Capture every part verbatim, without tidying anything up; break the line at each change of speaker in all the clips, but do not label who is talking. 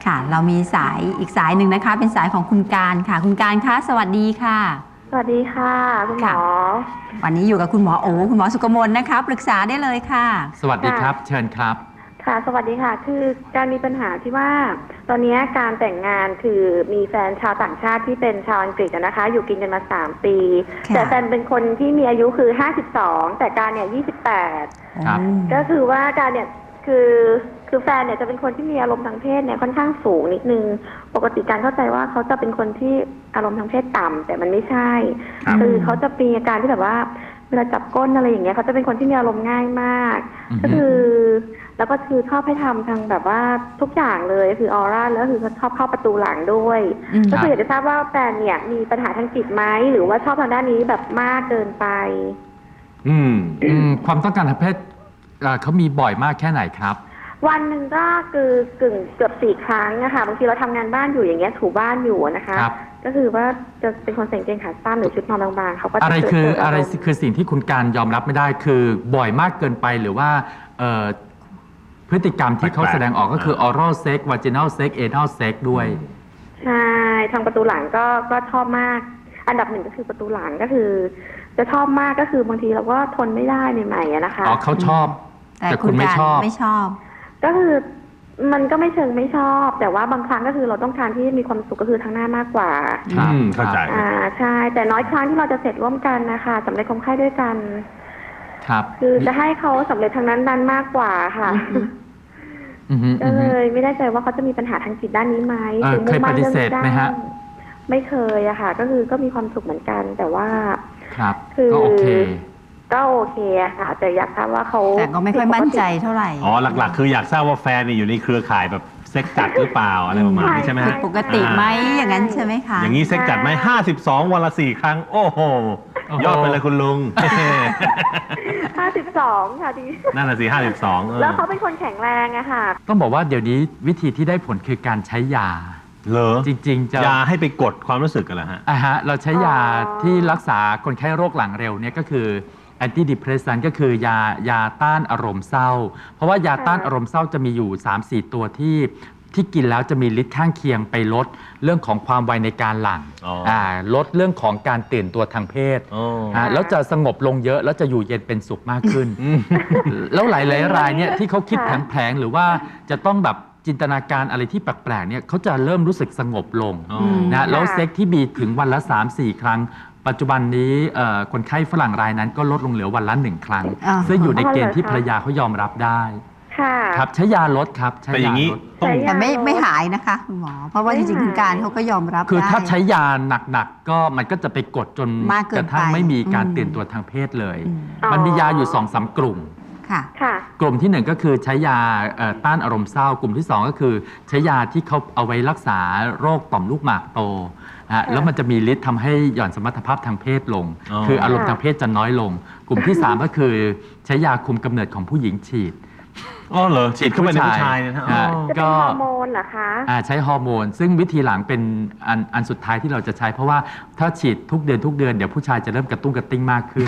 ค่ะเรามีสายอีกสายหนึ่งนะคะเป็นสายของคุณการค่ะคุณการคะสวัสดีค่ะ
สวัสดีค่ะคุณหมอ
วันนี้อยู่กับคุณหมอโอคุณหมอสุกมลนะคะปรึกษาได้เลยค่ะ
สวัสดีครับเชิญครับ
ค่ะสวัสดีค่ะคือการมีปัญหาที่ว่าตอนนี้การแต่งงานคือมีแฟนชาวต่างชาติที่เป็นชาวอังกฤษนะคะอยู่กินกันมาสามปีแต่แฟนเป็นคนที่มีอายุคือห้าสิบสองแต่การเนี่ยยี่สิบแปดก็คือว่าการเนี่ยคือคือแฟนเนี่ยจะเป็นคนที่มีอารมณ์ทางเพศเนี่ยค่อนข้างสูงนิดนึงปกติการเข้าใจว่าเขาจะเป็นคนที่อารมณ์ทางเพศต่ำแต่มันไม่ใช่คือเขาจะมีอาการที่แบบว่าเวลาจับก้นอะไรอย่างเงี้ยเขาจะเป็นคนที่มีอารมณ์ง่ายมากก็คือแล้วก็คือชอบให้ทำทางแบบว่าทุกอย่างเลยคือออร่าแล้วคือชอบเข้าประตูหลังด้วยก็คืออยากจะทราบว่าแฟนเนี่ยมีปัญหาทางจิตไหมหรือว่าชอบทางด้านนี้แบบมากเกินไป
อืมอืมความต้องการทางเพศเขามีบ่อยมากแค่ไหนครับ
วันหนึ่งก็คือกึ่งเกือบสี่ครั้งนะคะบางทีเราทำงานบ้านอยู่อย่างเงี้ยถูบ้านอยู่นะคะก็คือว่าจะเป็นคนใส่กางเกงขาสั้นหรือชุดนอนบางๆเขาก็
อะไรคืออะไรคือสิ่งที่คุณการยอมรับไม่ได้คือบ่อยมากเกินไปหรือว่าพฤติกรรมที่เขาแสดงออกก็คือ oral sex vaginal sex anal sex ด้วย
ใช่ทางประตูหลังก็ก็ชอบมากอันดับหนึ่งก็คือประตูหลังก็คือจะชอบมากก็คือบางทีเราก็ทนไม่ได้ใหม่ๆนะคะ
อ๋อเขาชอบแต่คุณไม่ชอบ
ไม่ชอบ
ก็คือมันก็ไม่เชิงไม่ชอบแต่ว่าบางครั้งก็คือเราต้องการที่มีความสุขก็คือทางหน้ามากกว่า
อืมเข้าใจ
อ่าใช่แต่น้อยครั้งที่เราจะเสร็จร่วมกันนะคะสำเร็จความใคร่ด้วยกัน
ครับ
คือจะให้เขาสำเร็จทางนั้นนั้นมากกว่าค่ะก็เลยไม่ได้ใจว่าเขาจะมีปัญหาทางจิตด้านนี้ไหม
เคยปฏิเสธไหมฮะ
ไม่เคยอะค่ะก็คือก็มีความสุขเหมือนกันแต่ว่า
ครับ
คือ
ก็โอเค
ก็โอเคอะค่ะแต่อยากทราบว่าเขา
แต่ก็ไม่ค่อยมั่นใจเท่าไหร่
อ๋อหลักๆคืออยากทราบว่าแฟนอยู่ในเครือข่ายแบบเซ็กจัดหรือเปล่าอะไรประมาณนี้ใช่ไหมฮะ
ปกติไหมอย่างนั้นใช่ไหมคะ
อย่างนี้เซ็กจัดไหมห้าสิบสองวันละสี่ครั้งโอ้โหยอดไปเลยคุณลุง
ห้าสิบสองค่ะดี
นั่นน่ะสิห้าสิบสอง
แล้วเขาเป็นคนแข็งแรงอะค่ะ
ต้องบอกว่าเดี๋ยวนี้วิธีที่ได้ผลคือการใช้ยา
เหรอ
จริงๆจะ
ยาให้ไปกดความรู้สึกกันเหรอฮะ
อ่าฮะเราใช้ยาที่รักษาคนไข้โรคหลังเร็วเนี่ยก็คือแอนตี้ดิเพรสซันก็คือยายาต้านอารมณ์เศร้าเพราะว่ายาต้านอารมณ์เศร้าจะมีอยู่ สามสี่ ตัวที่ที่กินแล้วจะมีฤทธิ์ข้างเคียงไปลดเรื่องของความไวในการหลั่งอ่าลดเรื่องของการตื่นตัวทางเพศอ่าแล้วจะสงบลงเยอะแล้วจะอยู่เย็นเป็นสุขมากขึ้นแล้วหลายๆรายเนี่ยที่เขาคิดแผลงๆหรือว่าจะต้องแบบจินตนาการอะไรที่แปลกๆเนี่ยเขาจะเริ่มรู้สึกสงบลงนะแล้วเซ็กที่มีถึงวันละ สามสี่ ครั้งปัจจุบันนี้คนไข้ฝรั่งรายนั้นก็ลดลงเหลือวันละหนึ่งครั้งซึ่งอยู่ในเกณฑ์ที่ภรรยาเขายอมรับได้ครับใช้ยาลดครับ
ใช้ยาลด
แต่ไม่ไม่หายนะคะคุณหมอเพราะว่าจริงๆคุณการเขาก็ยอมรับ
คือถ้าใช้ยาหนักๆก็มันก็จะไปกดจนกระทั่งไม่มีการตื่นตัวทางเพศเลยมันมียาอยู่ สองสาม กลุ่มกลุ่มที่หนึ่งก็คือใช้ยาต้านอารมณ์เศร้ากลุ่มที่สองก็คือใช้ยาที่เขาเอาไว้รักษาโรคต่อมลูกหมากโตแล้วมันจะมีฤทธิ์ทำให้หย่อนสมรรถภาพทางเพศลงคืออารมณ์ทางเพศจะน้อยลงกลุ่มที่สามก็คือใช้ยาคุมกำเนิดของผู้หญิงฉีด
อ๋อเหรอฉีดเข้าไปในผู้ชายนะฮะ
ก็ฮอร์โมนเหรอคะ
ใช้ฮอร์โมนซึ่งวิธีหลังเป็นอันอันสุดท้ายที่เราจะใช้เพราะว่าถ้าฉีดทุกเดือนทุกเดือนเดี๋ยวผู้ชายจะเริ่มกระตุ้งกระติ้งมากขึ้น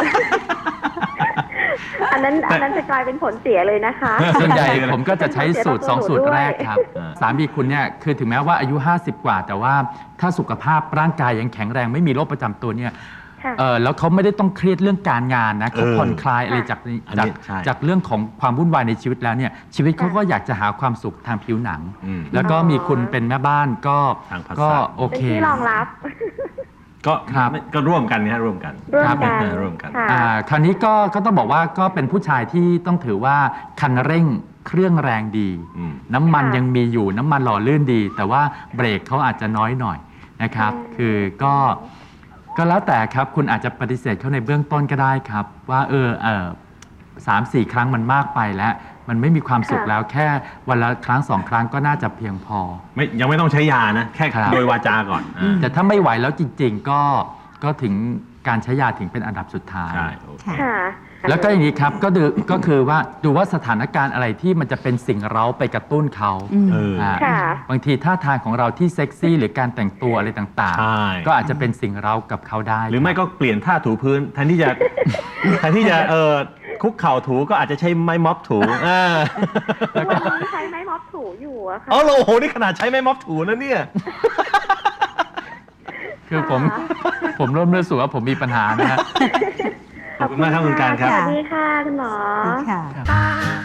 อันนั้นอันนั้นจะกลายเป็นผลเสียเลยนะคะ
ส่วนใหญ่ผมก็จะใช้สูตรสองสูตรแรกครับสามีคุณเนี่ยคือถึงแม้ว่าอายุห้าสิบกว่าแต่ว่าถ้าสุขภาพร่างกายยังแข็งแรงไม่มีโรคประจำตัวเนี่ยแล้วเขาไม่ได้ต้องเครียดเรื่องการงานนะเขาผ่อนคลายอะไรจากจากจากเรื่องของความวุ่นวายในชีวิตแล้วเนี่ยชีวิตเขาก็อยากจะหาความสุขทางผิวหนังแล้วก็มีคุณเป็นแม่บ้านก็ก็โอเค
เป็นที่รองรับ
ก็ก็ร่วมกันนะร่วมกัน
ร่วมกัน
ร่วมกัน
คราวนี้ก็ก็ต้องบอกว่าก็เป็นผู้ชายที่ต้องถือว่าคันเร่งเครื่องแรงดีน้ำมันยังมีอยู่น้ำมันหล่อลื่นดีแต่ว่าเบรกเขาอาจจะน้อยหน่อยนะครับคือก็ก็แล้วแต่ครับคุณอาจจะปฏิเสธเขาในเบื้องต้นก็ได้ครับว่าเออเออสามสี่ครั้งมันมากไปแล้วมันไม่มีความสุขแล้วแค่วันละครั้งสองครั้งก็น่าจะเพียงพอ
ไม่ยังไม่ต้องใช้ยานะแค่โดยวาจาก่อน
แต่ถ้าไม่ไหวแล้วจริงๆก็ก็ถึงการใช้ยาถึงเป็นอันดับสุดท้ายแล้วก็อย่างนี้ครับก็ดูก็คือว่าดูว่าสถานการณ์อะไรที่มันจะเป็นสิ่งเร้าไปกระตุ้นเขาบางทีท่าทางของเราที่เซ็กซี่หรือการแต่งตัวอะไรต่างๆก็อาจจะเป็นสิ่งเร้ากับเขาได้
หรือไม่ก็เปลี่ยนท่าถูพื้นแทนที่จะแทนที่จะเออคุกเข่าถูก็อาจจะใช้ไม้ม็อบถู
แล้วก็ใช้ไม้ม็อบถูอยู่อะค่ะ
อ๋อโอ้โหนี่ขนาดใช้ไม้ม็อบถูแล้วเนี่ย
คือผมผมเริ่มรู้สึกว่าผมมีปัญหานะฮะ
ขอบคุณมากครับคุณการครับ
สวัสดีค่ะคุณหมอ
ค่ะ
ครับ